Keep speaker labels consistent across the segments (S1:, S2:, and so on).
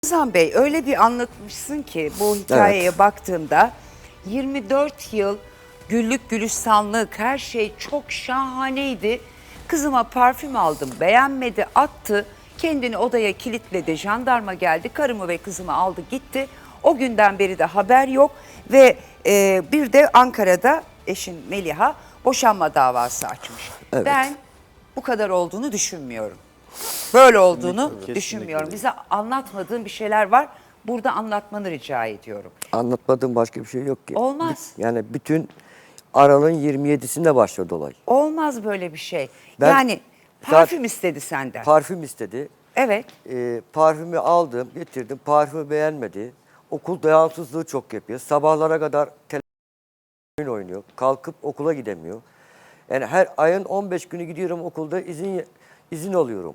S1: Ramazan Bey öyle bir anlatmışsın ki bu hikayeye baktığımda 24 yıl güllük gülistanlık her şey çok şahaneydi. Kızıma parfüm aldım, beğenmedi, attı, kendini odaya kilitledi, jandarma geldi, karımı ve kızımı aldı gitti. O günden beri de haber yok ve bir de Ankara'da eşin Meliha boşanma davası açmış.
S2: Evet.
S1: Ben bu kadar olduğunu düşünmüyorum. Böyle olduğunu
S2: Kesinlikle
S1: düşünmüyorum.
S2: değil.
S1: Bize anlatmadığın bir şeyler var. Burada anlatmanı rica ediyorum.
S2: Anlatmadığım başka bir şey yok ki.
S1: Olmaz.
S2: Yani bütün Aralık'ın 27'sinde başladı olay.
S1: Olmaz böyle bir şey.
S2: Ben
S1: Yani parfüm istedi senden.
S2: Parfüm istedi.
S1: Evet.
S2: Parfümü aldım, getirdim. Parfümü beğenmedi. Okul devamsızlığı çok yapıyor. Sabahlara kadar telefon oynuyor. Kalkıp okula gidemiyor. Yani her ayın 15 günü gidiyorum okulda izin alıyorum.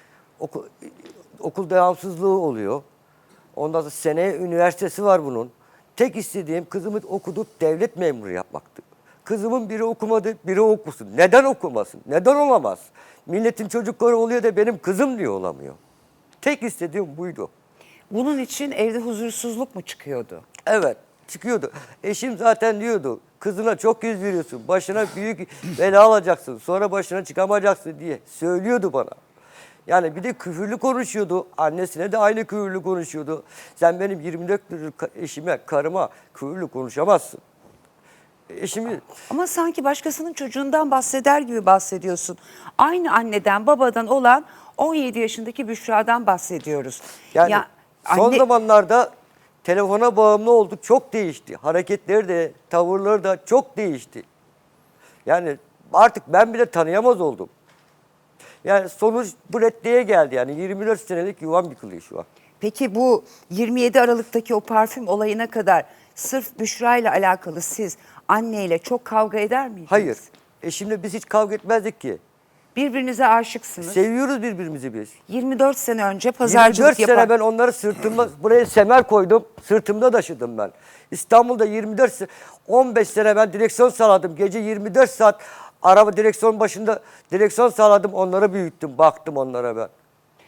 S2: Okul devamsızlığı oluyor. Ondan sonra seneye üniversitesi var bunun. Tek istediğim kızımı okutup devlet memuru yapmaktı. Kızımın biri okumadı, biri okusun. Neden okumasın? Neden olamaz? Milletin çocukları oluyor da benim kızım diye olamıyor. Tek istediğim buydu.
S1: Bunun için evde huzursuzluk mu çıkıyordu?
S2: Evet, çıkıyordu. Eşim zaten diyordu, kızına çok yüz veriyorsun, başına büyük bela alacaksın, sonra başına çıkamayacaksın diye söylüyordu bana. Yani bir de küfürlü konuşuyordu, annesine de aynı küfürlü konuşuyordu. Sen benim 24 yıllık eşime, karıma küfürlü konuşamazsın. Eşimi...
S1: Ama sanki başkasının çocuğundan bahseder gibi bahsediyorsun. Aynı anneden babadan olan 17 yaşındaki Büşra'dan bahsediyoruz.
S2: Yani
S1: Ya,
S2: son
S1: anne...
S2: zamanlarda telefona bağımlı olduk, çok değişti. Hareketleri de, tavırları da çok değişti. Yani artık ben bile tanıyamaz oldum. Yani sonuç bu reddeye geldi. Yani 24 senelik yuvam yıkılıyor şu an.
S1: Peki bu 27 Aralık'taki o parfüm olayına kadar sırf Büşra ile alakalı siz anneyle çok kavga eder miydiniz?
S2: Hayır. Eşimle biz hiç kavga etmezdik ki.
S1: Birbirinize aşıksınız.
S2: Seviyoruz birbirimizi biz.
S1: 24 sene önce pazarcılık
S2: 24 sene ben onları sırtımda, buraya semer koydum, sırtımda taşıdım ben. İstanbul'da 24 sene, 15 sene ben direksiyon sağladım. Gece 24 saat araba direksiyon başında direksiyon sağladım, onları büyüttüm, baktım onlara ben.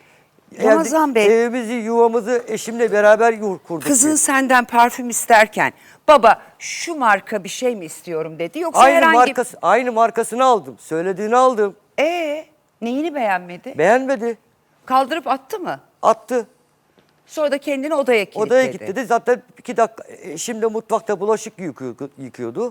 S1: Ramazan Bey,
S2: Evimizi, yuvamızı eşimle beraber kurduk.
S1: kızın
S2: biz.
S1: senden parfüm isterken baba şu marka bir şey mi istiyorum dedi yoksa
S2: Aynı
S1: herhangi...
S2: aynı markasını aldım, söylediğini aldım.
S1: Neyini beğenmedi?
S2: Beğenmedi,
S1: Kaldırıp attı mı?
S2: attı.
S1: Sonra da kendini odaya kilitledi.
S2: Odaya git dedi. Zaten 2 dakika, şimdi mutfakta bulaşık yıkıyordu.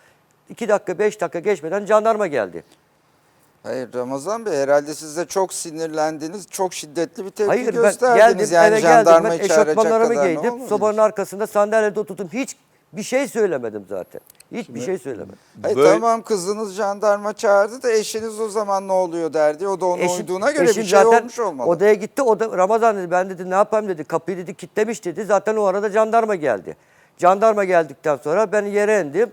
S2: 2 dakika, 5 dakika geçmeden jandarma geldi.
S3: Hayır Ramazan Bey, herhalde siz de çok sinirlendiniz, çok şiddetli bir tepki
S2: Hayır, ben
S3: gösterdiniz.
S2: geldim, eve geldim, ben
S3: jandarmayı çağıracak
S2: eşofmanlarımı
S3: kadar ne
S2: giydim,
S3: olabilir?
S2: sobanın arkasında sandalyede oturdum. Hiç bir şey söylemedim zaten. Hiçbir şey söylemedim.
S3: Hayır,
S4: Böyle-
S3: tamam, kızınız jandarma çağırdı da eşiniz o zaman ne oluyor derdi. O da ona uyduğuna göre
S2: eşim
S3: bir şey
S2: zaten
S3: olmuş olmalı.
S2: odaya gitti. Ramazan dedi, ben dedi ne yapayım dedi. Kapıyı dedi kilitlemiş dedi. Zaten o arada jandarma geldi. Jandarma geldikten sonra ben yere indim.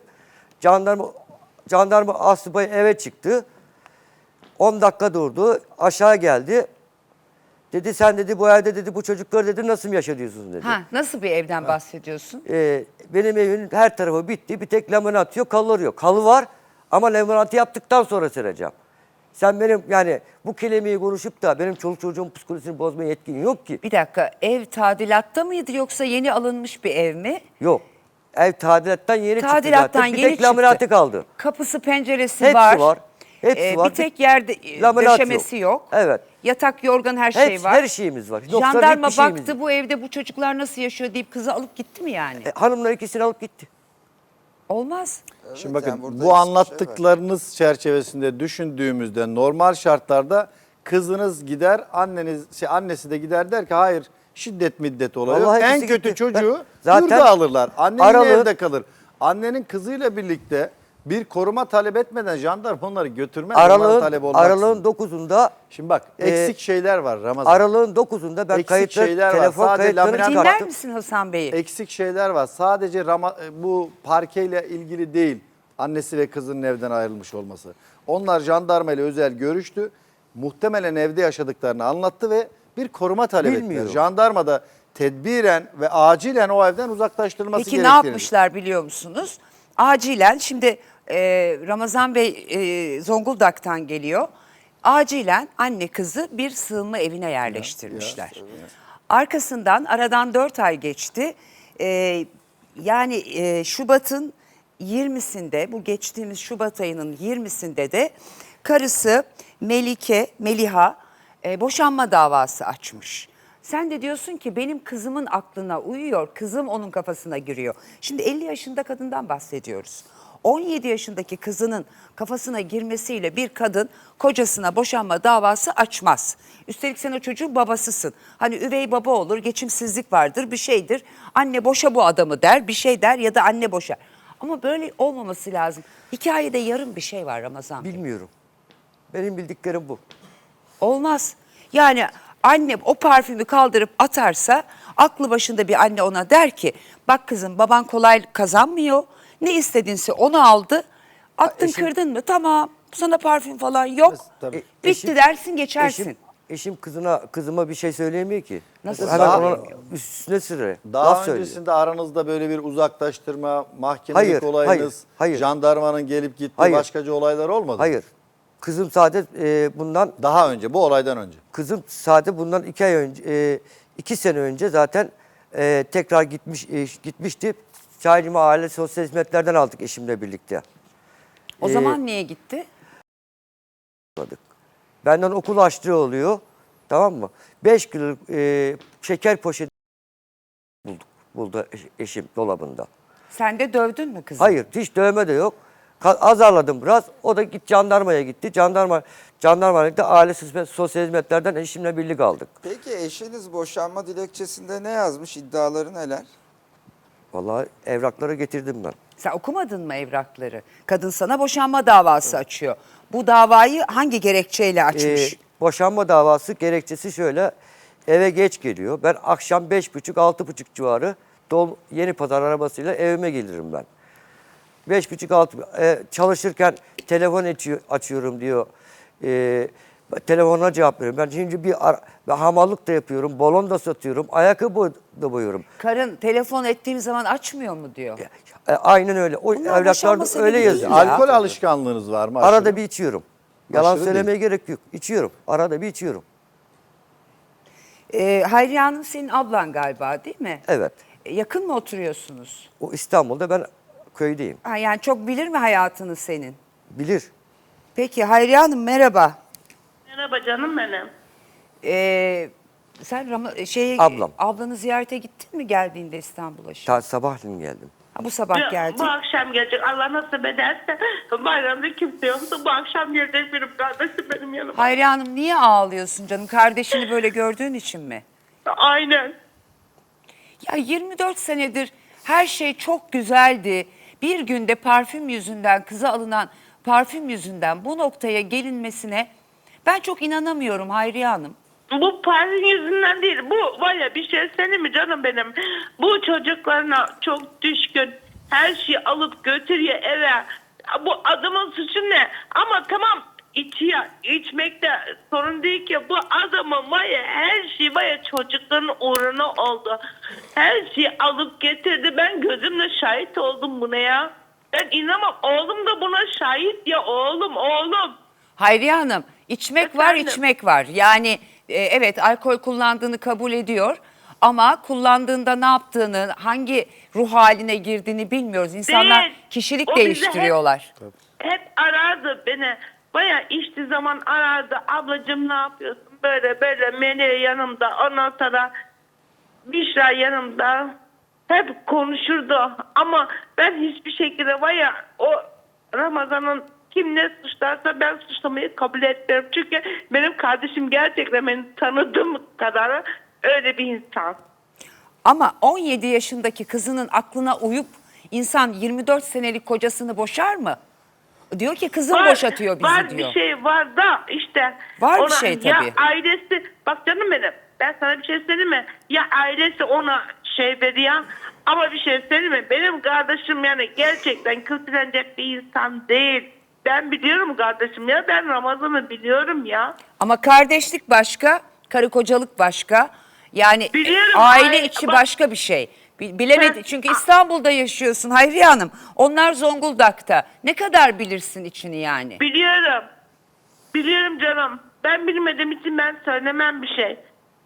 S2: Jandarma asubay eve çıktı. 10 dakika durdu. Aşağı geldi. Dedi sen dedi bu evde dedi bu çocukları dedi nasıl mı yaşatıyorsunuz dedi.
S1: Ha, nasıl bir evden bahsediyorsun?
S2: Benim evimin her tarafı bitti. Bir tek laminat yok, halıları yok. Halı var ama laminatı yaptıktan sonra sereceğim. Sen benim yani bu kelimeyi konuşup da benim çoluk çocuğun psikolojisini bozmaya yetkin yok ki.
S1: Bir dakika, ev tadilatta mıydı yoksa yeni alınmış bir ev mi?
S2: Yok. Ev tadilattan yeni çıktı
S1: Tadilattan
S2: zaten. Bir
S1: yeni
S2: tek laminatı
S1: çıktı.
S2: kaldı.
S1: Kapısı, penceresi
S2: Hepsi
S1: var.
S2: var. Hepsi var.
S1: Bir tek yerde
S2: Laminat
S1: döşemesi yok.
S2: Evet.
S1: Yatak, yorgan her şey var.
S2: Her şeyimiz var. Yoksa
S1: Jandarma
S2: hiçbir şeyimiz
S1: baktı
S2: yok.
S1: bu evde bu çocuklar nasıl yaşıyor deyip kızı alıp gitti mi yani?
S2: Hanımlar ikisini alıp gitti.
S1: Olmaz.
S4: Şimdi
S3: Evet,
S4: bakın
S3: yani burada
S4: bu
S3: bir şey var.
S4: anlattıklarınız çerçevesinde düşündüğümüzde normal şartlarda kızınız gider, annesi de gider der ki hayır şiddet middet oluyor.
S2: Vallahi
S4: En
S2: hepsi
S4: kötü
S2: gitti.
S4: çocuğu
S2: Zaten
S4: yurda alırlar. Annenin
S2: Aralık-
S4: evde kalır. Annenin kızıyla birlikte bir koruma talep etmeden jandarma onları götürmez. Onların talebi
S2: Aralığın
S4: olmaksızın.
S2: 9'unda
S4: Şimdi bak eksik şeyler var Ramazan.
S2: Aralığın 9'unda ben
S4: Eksik
S2: kayıtları,
S4: şeyler var.
S2: telefon
S4: Sadece
S2: kayıtlarını
S4: laminat-
S1: Dinler
S2: çıkarttım.
S1: misin Hasan Bey'i?
S4: Eksik şeyler var. Sadece bu parkeyle ilgili değil. Annesi ve kızının evden ayrılmış olması. Onlar jandarma ile özel görüştü. Muhtemelen evde yaşadıklarını anlattı ve bir koruma talep ettiler.
S2: Bilmiyorum.
S4: Jandarma da tedbiren ve acilen o evden uzaklaştırılması
S1: Peki ne
S4: gerektiğini.
S1: yapmışlar biliyor musunuz? Acilen şimdi Ramazan Bey Zonguldak'tan geliyor. Acilen anne kızı bir sığınma evine yerleştirmişler. Arkasından aradan 4 ay geçti. Şubat'ın 20'sinde, bu geçtiğimiz Şubat ayının 20'sinde de karısı Meliha boşanma davası açmış. Sen de diyorsun ki benim kızımın aklına uyuyor, kızım onun kafasına giriyor. Şimdi 50 yaşında kadından bahsediyoruz. 17 yaşındaki kızının kafasına girmesiyle bir kadın kocasına boşanma davası açmaz. Üstelik sen o çocuğun babasısın. Hani üvey baba olur, geçimsizlik vardır, bir şeydir. Anne boşa bu adamı der, bir şey der ya da anne boşar. Ama böyle olmaması lazım. Hikayede yarım bir şey var Ramazan Bey.
S2: Bilmiyorum. Benim bildiklerim bu.
S1: Olmaz. Yani anne o parfümü kaldırıp atarsa aklı başında bir anne ona der ki bak kızım baban kolay kazanmıyor. Ne istedinse onu aldı. Attın kırdın mı tamam sana parfüm falan yok.
S4: Tabii.
S1: Bitti dersin geçersin.
S2: Eşim kızıma bir şey söyleyemiyor ki.
S1: Nasıl
S2: Hemen ona
S1: söyleyemiyor?
S2: üstüne sürüyor.
S4: Daha
S2: Laf söylüyor.
S4: öncesinde aranızda böyle bir uzaklaştırma, mahkemelik olayınız,
S2: hayır.
S4: jandarmanın gelip gittiği
S2: Hayır.
S4: başkaca olaylar olmadı mı?
S2: Hayır. Kızım sadece bundan
S4: Daha önce, bu olaydan önce.
S2: Kızım sadece bundan 2 ay önce, 2 sene önce zaten tekrar gitmişti. Şahinimi Aile Sosyal Hizmetler'den aldık eşimle birlikte.
S1: O zaman niye gitti?
S2: Benden okul açlığı oluyor. Tamam mı? 5 kiloluk şeker poşeti buldu eşim dolabında.
S1: Sen de dövdün mü kızı?
S2: Hayır, hiç dövme de yok. Azarladım biraz. O da jandarmaya gitti. Jandarmada Aile Sosyal Hizmetler'den eşimle birlikte aldık.
S3: Peki eşiniz boşanma dilekçesinde ne yazmış? İddiaları neler?
S2: Vallahi evrakları getirdim ben.
S1: Sen okumadın mı evrakları? Kadın sana boşanma davası açıyor. Bu davayı hangi gerekçeyle açmış?
S2: Boşanma davası gerekçesi şöyle. Eve geç geliyor. Ben akşam 5.30-6.30 civarı Yeni Pazar arabasıyla evime gelirim ben. 5.30-6 çalışırken telefon açıyorum diyor. Telefonuna cevap veriyorum. Ben şimdi ben hamallık da yapıyorum. Balon da satıyorum. Ayakkabı da boyuyorum.
S1: Karın telefon ettiğim zaman açmıyor mu diyor.
S2: Aynen öyle. O
S1: Bunlar boşanma
S2: evraklarda
S1: sebebi
S2: öyle
S1: değil
S2: yazıyor.
S1: ya.
S4: Alkol alışkanlığınız var mı?
S2: Arada
S4: aşırı?
S2: bir içiyorum. Yalan
S4: Aşırı
S2: söylemeye gerek yok. İçiyorum. Arada bir içiyorum.
S1: Hayriye Hanım senin ablan galiba değil mi?
S2: Evet.
S1: Yakın mı oturuyorsunuz?
S2: O İstanbul'da, ben köydeyim.
S1: Ha, yani çok bilir mi hayatını senin?
S2: Bilir.
S1: Peki Hayriye Hanım merhaba.
S5: Merhaba canım benim.
S1: Sen
S2: Ablam.
S1: ablanı ziyarete gittin mi geldiğinde İstanbul'a şimdi?
S2: Sabahleyin geldim.
S1: Ha, bu sabah geldin.
S5: Bu akşam gelecek. Allah nasip ederse bayramda kimse yoksa bu akşam gelecek benim kardeşim benim yanıma.
S1: Hayriye Hanım niye ağlıyorsun canım? Kardeşini böyle gördüğün için mi?
S5: Aynen.
S1: Ya 24 senedir her şey çok güzeldi. Bir günde parfüm yüzünden, kıza alınan parfüm yüzünden bu noktaya gelinmesine ben çok inanamıyorum Hayriye Hanım.
S5: Bu parfüm yüzünden değil. Bu var ya bir şey söyleyeyim mi canım benim? Bu çocuklarına çok düşkün. Her şeyi alıp götürüyor eve. Bu adamın suçu ne? Ama tamam içiyor. İçmekte sorun değil ki. Bu adamın var ya her şey var ya çocukların uğruna oldu. Her şeyi alıp getirdi. Ben gözümle şahit oldum buna ya. Ben inanamam. Oğlum da buna şahit ya oğlum.
S1: Hayriye Hanım içmek var
S5: Efendim?
S1: içmek var. Yani evet alkol kullandığını kabul ediyor. Ama kullandığında ne yaptığını, hangi ruh haline girdiğini bilmiyoruz. İnsanlar
S5: Değil.
S1: kişilik
S5: O bize
S1: değiştiriyorlar.
S5: Hep arardı beni. Baya içtiği zaman arardı. Ablacığım ne yapıyorsun? Böyle böyle Melih yanımda. Ondan sonra Büşra yanımda. Hep konuşurdu. Ama ben hiçbir şekilde baya o Ramazan'ın kim ne suçlarsa ben suçlamayı kabul etmiyorum. Çünkü benim kardeşim gerçekten beni tanıdığım kadar öyle bir insan.
S1: Ama 17 yaşındaki kızının aklına uyup insan 24 senelik kocasını boşar mı? Diyor ki kızım boşatıyor bizi
S5: var
S1: diyor.
S5: Bir şey var da işte.
S1: Var bir şey
S5: ya
S1: tabii.
S5: ailesi bak canım benim ben sana bir şey söyleyeyim mi? Ya ailesi ona şey veriyor ama bir şey söyleyeyim mi? Benim kardeşim yani gerçekten kötülenecek bir insan değil. Ben biliyorum kardeşim ya ben Ramazan'ı biliyorum ya.
S1: Ama kardeşlik başka, karı kocalık başka. Yani
S5: Biliyorum,
S1: aile içi
S5: bak-
S1: başka bir şey. Bilemedi
S5: Sen-
S1: çünkü İstanbul'da yaşıyorsun Hayriye Hanım. Onlar Zonguldak'ta. Ne kadar bilirsin içini yani?
S5: Biliyorum. Biliyorum canım. Ben bilmediğim için ben söylemem bir şey.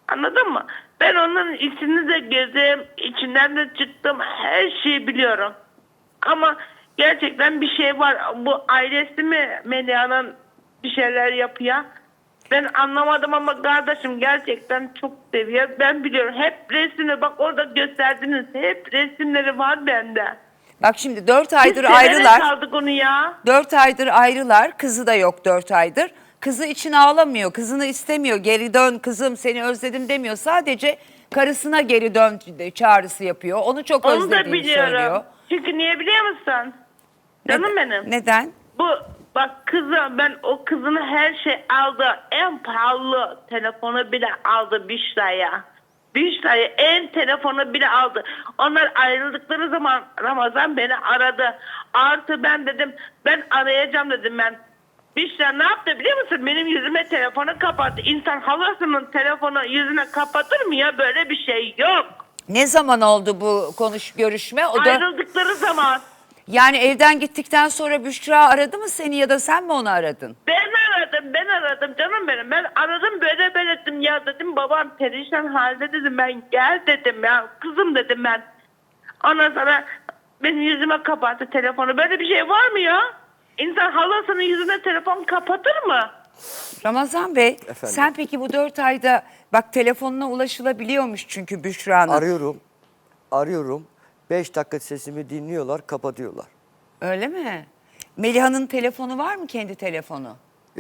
S5: Anladın mı? Ben onun içini de gezdim, içinden de çıktım, her şeyi biliyorum. Ama gerçekten bir şey var. Bu ailesi mi Melia'nın bir şeyler yapıyor? Ben anlamadım ama kardeşim gerçekten çok seviyor. Ben biliyorum. Hep resmini bak orada gösterdiniz. Hep resimleri var bende.
S1: Bak şimdi 4 aydır
S5: Biz severek
S1: ayrılar.
S5: aldık onu ya.
S1: 4 aydır ayrılar. Kızı da yok 4 aydır. Kızı için ağlamıyor. Kızını istemiyor. Geri dön kızım seni özledim demiyor. Sadece karısına geri dön çağrısı yapıyor. Onu çok
S5: Onu da
S1: özlediğini
S5: biliyorum.
S1: söylüyor.
S5: Çünkü niye biliyor musun? Canım benim.
S1: Neden?
S5: Bu bak kızı ben o kızını her şey aldı. En pahalı telefonu bile aldı Büşra'ya. Büşra'ya en telefonu bile aldı. Onlar ayrıldıkları zaman Ramazan beni aradı. Artı ben dedim ben arayacağım dedim ben. Büşra ne yaptı biliyor musun? Benim yüzüme telefonu kapattı. İnsan halasının telefonu yüzüne kapatır mı ya? Böyle bir şey yok.
S1: Ne zaman oldu bu görüşme? O da
S5: Ayrıldıkları zaman.
S1: yani evden gittikten sonra Büşra aradı mı seni ya da sen mi onu aradın?
S5: Ben aradım canım benim. Ben aradım böyle dedim ya dedim babam perişan halde dedim ben gel dedim ya kızım dedim ben. Ondan sonra benim yüzüme kapattı telefonu. Böyle bir şey var mı ya? İnsan halasının yüzüne telefon kapatır mı?
S1: Ramazan Bey sen peki bu 4 ayda bak telefonuna ulaşılabiliyormuş çünkü Büşra'nın.
S2: Arıyorum. 5 dakika sesimi dinliyorlar, kapatıyorlar.
S1: Öyle mi? Meliha'nın telefonu var mı kendi telefonu?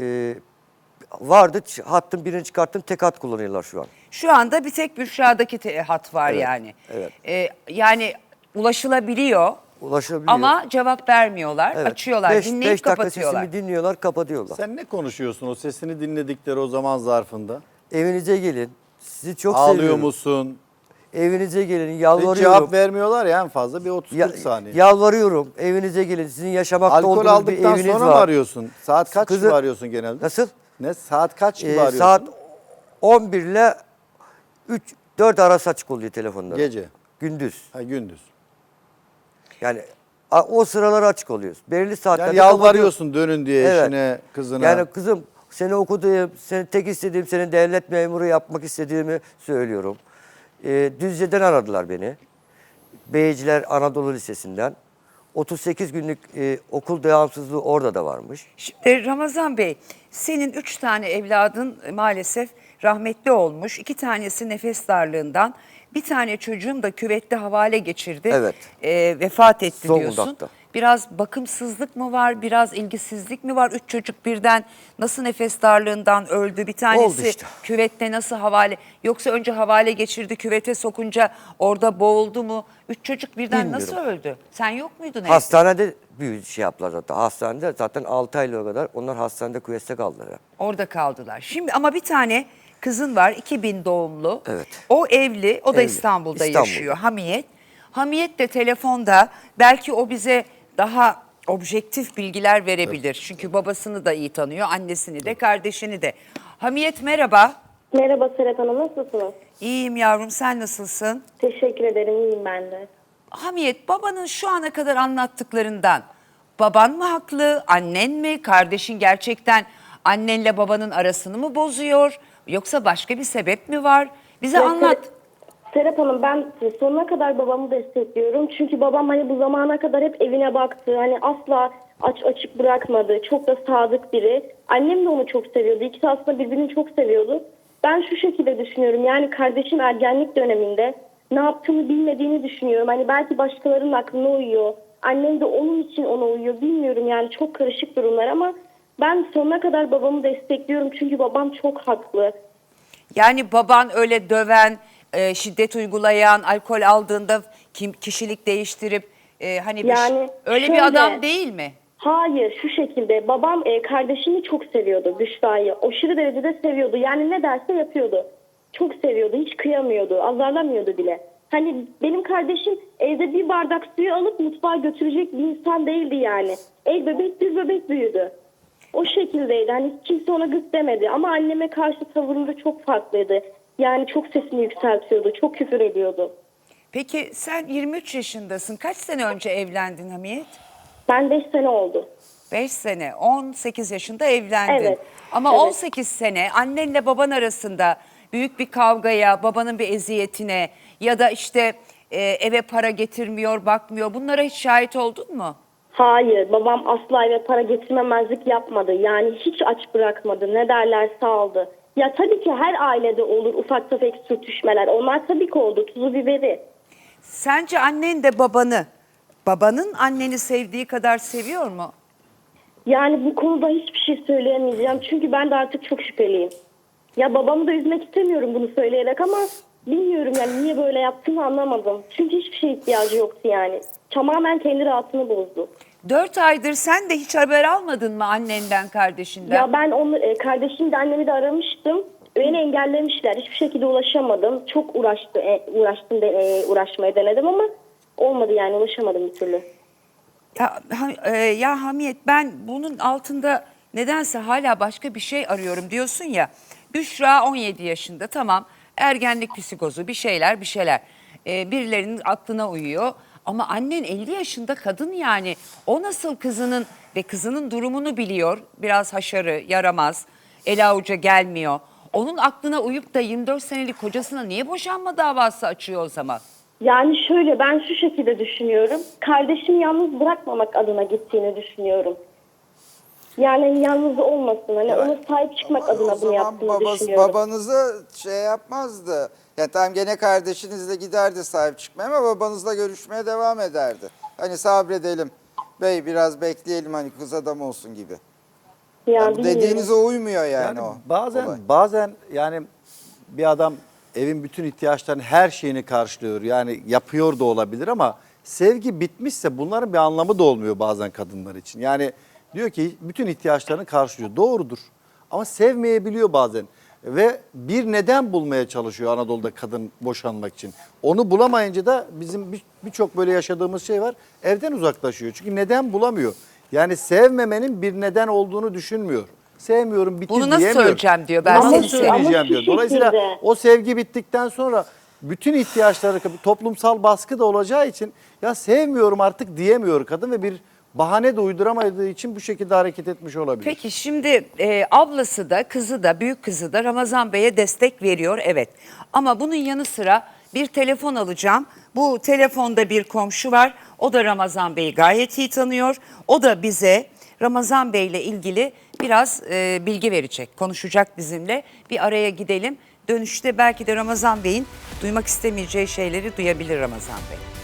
S2: Vardı, hattın birini çıkarttım, tek hat kullanıyorlar şu an.
S1: Şu anda bir tek Büşra'daki hat var
S2: Evet,
S1: yani.
S2: evet.
S1: Yani ulaşılabiliyor
S2: Ulaşabiliyor.
S1: ama cevap vermiyorlar.
S2: Evet.
S1: Açıyorlar, dinleyip
S2: 5 dakika
S1: kapatıyorlar.
S2: sesimi dinliyorlar, kapatıyorlar.
S4: Sen ne konuşuyorsun o sesini dinledikleri o zaman zarfında?
S2: Evinize gelin. Sizi çok
S4: Ağlıyor
S2: seviyorum.
S4: musun?
S2: Evinize gelin,
S4: Hiç
S2: yalvarıyorum.
S4: cevap vermiyorlar ya en fazla bir 30-40
S2: Ya-
S4: saniye.
S2: Yalvarıyorum. Evinize gelin. Sizin yaşamakta
S4: Alkol
S2: olduğunuz bir
S4: aldıktan
S2: eviniz
S4: sonra
S2: var.
S4: mı arıyorsun? Saat kaç
S2: Kızı-
S4: gibi arıyorsun genelde?
S2: Nasıl?
S4: Ne saat kaç gibi arıyorsun?
S2: Saat 11 ile 4 arası açık oluyor telefonlar.
S4: Gece.
S2: Gündüz.
S4: Ha, gündüz.
S2: Yani o sıralar açık oluyoruz. Belirli saatlerde
S4: Yani yalvarıyorsun dönün diye
S2: Evet.
S4: eşine, kızına.
S2: Yani kızım seni okuduğum, seni tek istediğim, seni devlet memuru yapmak istediğimi söylüyorum. Düzce'den aradılar beni. Beyciler Anadolu Lisesi'nden. 38 günlük okul devamsızlığı orada da varmış.
S1: Şimdi Ramazan Bey, senin 3 tane evladın maalesef rahmetli olmuş. 2 tanesi nefes darlığından, bir tane çocuğum da küvette havale geçirdi.
S2: Evet.
S1: Vefat etti diyorsun.
S2: Zonguldak'ta.
S1: Biraz bakımsızlık mı var, biraz ilgisizlik mi var? 3 çocuk birden nasıl nefes darlığından öldü? Bir tanesi
S2: Oldu işte.
S1: küvette nasıl havale? Yoksa önce havale geçirdi, küvete sokunca orada boğuldu mu? 3 çocuk birden
S2: Bilmiyorum.
S1: nasıl öldü? Sen yok muydun evde?
S2: Hastanede bir şey yaptılar zaten. Hastanede zaten 6 aylığa kadar onlar hastanede küveste kaldılar.
S1: Orada kaldılar. Şimdi ama bir tane kızın var 2000 doğumlu.
S2: Evet.
S1: O evli, o da
S2: Evli.
S1: İstanbul'da
S2: İstanbul'da.
S1: yaşıyor Hamiyet. Hamiyet de telefonda belki o bize daha objektif bilgiler verebilir. Çünkü babasını da iyi tanıyor, annesini de, kardeşini de. Hamiyet merhaba.
S6: Merhaba Serap Hanım, nasılsınız?
S1: İyiyim yavrum, sen nasılsın?
S6: Teşekkür ederim, iyiyim ben de.
S1: Hamiyet, babanın şu ana kadar anlattıklarından baban mı haklı, annen mi, kardeşin gerçekten annenle babanın arasını mı bozuyor? Yoksa başka bir sebep mi var? Bize
S6: Ya,
S1: anlat.
S6: Serap Hanım, ben sonuna kadar babamı destekliyorum. Çünkü babam hani bu zamana kadar hep evine baktı. Hani asla açık bırakmadı. Çok da sadık biri. Annem de onu çok seviyordu. İkisi aslında birbirini çok seviyordu. Ben şu şekilde düşünüyorum. Yani kardeşim ergenlik döneminde ne yaptığını bilmediğini düşünüyorum. Hani belki başkalarının aklına uyuyor. Annem de onun için ona uyuyor. Bilmiyorum yani, çok karışık durumlar ama ben sonuna kadar babamı destekliyorum. Çünkü babam çok haklı.
S1: Yani baban öyle döven, şiddet uygulayan, alkol aldığında kişilik değiştirip hani
S6: Yani
S1: öyle
S6: şöyle-
S1: bir adam değil mi?
S6: Hayır, şu şekilde babam kardeşimi çok seviyordu, Büşra'yı. Aşırı derecede seviyordu. Yani ne derse yapıyordu. Çok seviyordu, hiç kıyamıyordu, azarlamıyordu bile. Hani benim kardeşim evde bir bardak suyu alıp mutfağa götürecek bir insan değildi yani. El bebek bir bebek büyüdü. O şekildeydi. Hani kimse ona gık demedi. Ama anneme karşı tavırları çok farklıydı. Yani çok sesini yükseltiyordu, çok küfür ediyordu.
S1: Peki sen 23 yaşındasın. Kaç sene önce evlendin Hamiyet?
S6: Ben 5 sene oldu.
S1: 5 sene, 18 yaşında evlendin.
S6: Evet,
S1: Ama
S6: evet.
S1: 18 sene annenle baban arasında büyük bir kavgaya, babanın bir eziyetine ya da işte eve para getirmiyor, bakmıyor, bunlara hiç şahit oldun mu?
S6: Hayır, babam asla eve para getirmemezlik yapmadı. Yani hiç aç bırakmadı. Ne derlerse aldı. Ya tabii ki her ailede olur ufak tefek sürtüşmeler. Onlar tabii ki oldu. Tuzu biberi.
S1: Sence annen de babanın anneni sevdiği kadar seviyor mu?
S6: Yani bu konuda hiçbir şey söyleyemeyeceğim. Çünkü ben de artık çok şüpheliyim. Ya babamı da üzmek istemiyorum bunu söyleyerek ama bilmiyorum yani niye böyle yaptığını anlamadım. Çünkü hiçbir şeye ihtiyacı yoktu yani. Tamamen kendi rahatını bozdu.
S1: 4 aydır sen de hiç haber almadın mı annenden, kardeşinden?
S6: Ya ben onu kardeşim de annemi de aramıştım. Beni engellemişler. Hiçbir şekilde ulaşamadım. Çok uğraşmaya denedim ama olmadı yani ulaşamadım bir türlü.
S1: Ya Hamiyet, ben bunun altında nedense hala başka bir şey arıyorum diyorsun ya. Büşra 17 yaşında, tamam, ergenlik psikozu, bir şeyler. Birilerinin aklına uyuyor. Ama annen 50 yaşında kadın yani. O nasıl kızının durumunu biliyor. Biraz haşarı, yaramaz, el avuca gelmiyor. Onun aklına uyup da 24 senelik kocasına niye boşanma davası açıyor o zaman?
S6: Yani şöyle ben şu şekilde düşünüyorum. Kardeşimi yalnız bırakmamak adına gittiğini düşünüyorum. Yani yalnız olmasın. Hani ona sahip çıkmak adına bunu yaptığını düşünüyorum.
S3: Babanızı şey yapmazdı. Yani tamam gene kardeşinizle giderdi sahip çıkmaya ama babanızla görüşmeye devam ederdi. Hani sabredelim. Bey biraz bekleyelim hani kız adam olsun gibi. Yani
S6: bilmiyorum.
S3: dediğinize uymuyor yani o.
S4: Bazen yani bir adam evin bütün ihtiyaçlarını, her şeyini karşılıyor. Yani yapıyor da olabilir ama sevgi bitmişse bunların bir anlamı da olmuyor bazen kadınlar için. Yani diyor ki bütün ihtiyaçlarını karşılıyor. Doğrudur. Ama sevmeyebiliyor bazen. Ve bir neden bulmaya çalışıyor Anadolu'da kadın boşanmak için. Onu bulamayınca da bizim birçok böyle yaşadığımız şey var. Evden uzaklaşıyor. Çünkü neden bulamıyor. Yani sevmemenin bir neden olduğunu düşünmüyor. Sevmiyorum, bitti
S1: Bunu nasıl
S4: diyemiyor.
S1: söyleyeceğim diyor, ben
S4: Nasıl
S1: seni
S4: söyleyeceğim
S6: seviyorum.
S4: diyor.
S6: Ama şu
S4: Dolayısıyla
S6: şekilde.
S4: o sevgi bittikten sonra bütün ihtiyaçları, toplumsal baskı da olacağı için ya sevmiyorum artık diyemiyor kadın ve bir bahane de uyduramadığı için bu şekilde hareket etmiş olabilir.
S1: Peki şimdi ablası da kızı da büyük kızı da Ramazan Bey'e destek veriyor, evet. Ama bunun yanı sıra bir telefon alacağım. Bu telefonda bir komşu var. O da Ramazan Bey'i gayet iyi tanıyor. O da bize Ramazan Bey ile ilgili biraz bilgi verecek, konuşacak bizimle. Bir araya gidelim. Dönüşte belki de Ramazan Bey'in duymak istemeyeceği şeyleri duyabilir Ramazan Bey.